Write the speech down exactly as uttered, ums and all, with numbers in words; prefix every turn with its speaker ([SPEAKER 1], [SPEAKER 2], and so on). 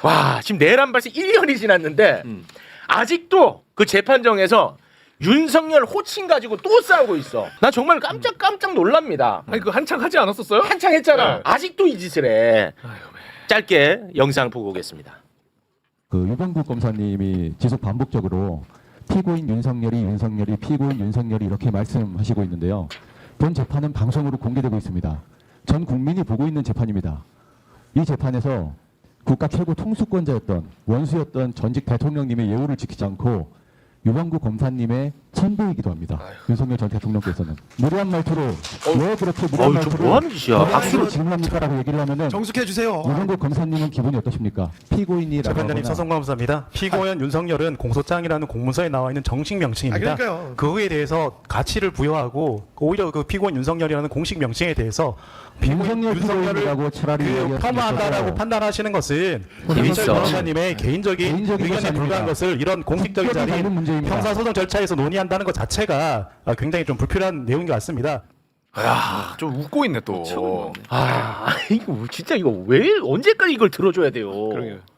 [SPEAKER 1] 와 지금 내란 발생 일 년이 지났는데
[SPEAKER 2] 음.
[SPEAKER 1] 아직도 그 재판정에서 윤석열 호칭 가지고 또 싸우고 있어. 나 정말 깜짝깜짝 놀랍니다.
[SPEAKER 2] 아니 그 한창 하지 않았었어요?
[SPEAKER 1] 한창 했잖아.
[SPEAKER 2] 네.
[SPEAKER 1] 아직도 이 짓을 해.
[SPEAKER 2] 아유,
[SPEAKER 1] 짧게 영상 보고 오겠습니다.
[SPEAKER 3] 그 유병국 검사님이 지속 반복적으로 피고인 윤석열이 윤석열이 피고인 윤석열이 이렇게 말씀하시고 있는데요. 본 재판은 방송으로 공개되고 있습니다. 전 국민이 보고 있는 재판입니다. 이 재판에서 국가 최고 통수권자였던 원수였던 전직 대통령님의 예우를 지키지 않고 유병국 검사님의 친부이기도 합니다.
[SPEAKER 2] 아유.
[SPEAKER 3] 윤석열 전 대통령께서는 무례한 말투로 왜 그렇게 무례한
[SPEAKER 1] 어우, 저
[SPEAKER 3] 말투로
[SPEAKER 1] 뭐 하는 짓이야?
[SPEAKER 3] 박수로
[SPEAKER 1] 박수로
[SPEAKER 3] 질문합니까라고 얘기를 하면은
[SPEAKER 4] 정숙해 주세요.
[SPEAKER 3] 유병국 검사님은 기분이 어떠십니까? 피고인이라고
[SPEAKER 5] 재판장님
[SPEAKER 3] 하거나
[SPEAKER 5] 서성감사합니다. 피고인 윤석열은 공소장이라는 공문서에 나와 있는 정식 명칭입니다.
[SPEAKER 4] 아, 그러니까요.
[SPEAKER 5] 그거에 대해서 가치를 부여하고 오히려 그 피고인 윤석열이라는 공식 명칭에 대해서
[SPEAKER 3] 윤석열
[SPEAKER 5] 윤석열을
[SPEAKER 3] 피고인이라고 차라리
[SPEAKER 5] 그
[SPEAKER 3] 이야기했으면
[SPEAKER 5] 폄하한다라고
[SPEAKER 3] 좋겠어요.
[SPEAKER 5] 판단하시는 것은
[SPEAKER 1] 재밌어.
[SPEAKER 5] 윤석열 변호사님의 개인적인
[SPEAKER 3] 개인적인
[SPEAKER 5] 의견에
[SPEAKER 3] 것이
[SPEAKER 5] 불과한
[SPEAKER 3] 아닙니다.
[SPEAKER 5] 것을 이런 공식적인
[SPEAKER 3] 국격이
[SPEAKER 5] 자리
[SPEAKER 3] 다른 문제입니다.
[SPEAKER 5] 형사소송 절차에서 논의한다는 것 자체가 굉장히 좀 불필요한 내용인 것 같습니다.
[SPEAKER 2] 야, 좀 웃고 있네 또.
[SPEAKER 1] 아 이거 진짜 이거 왜 언제까지 이걸 들어줘야 돼요?
[SPEAKER 2] 그러게요.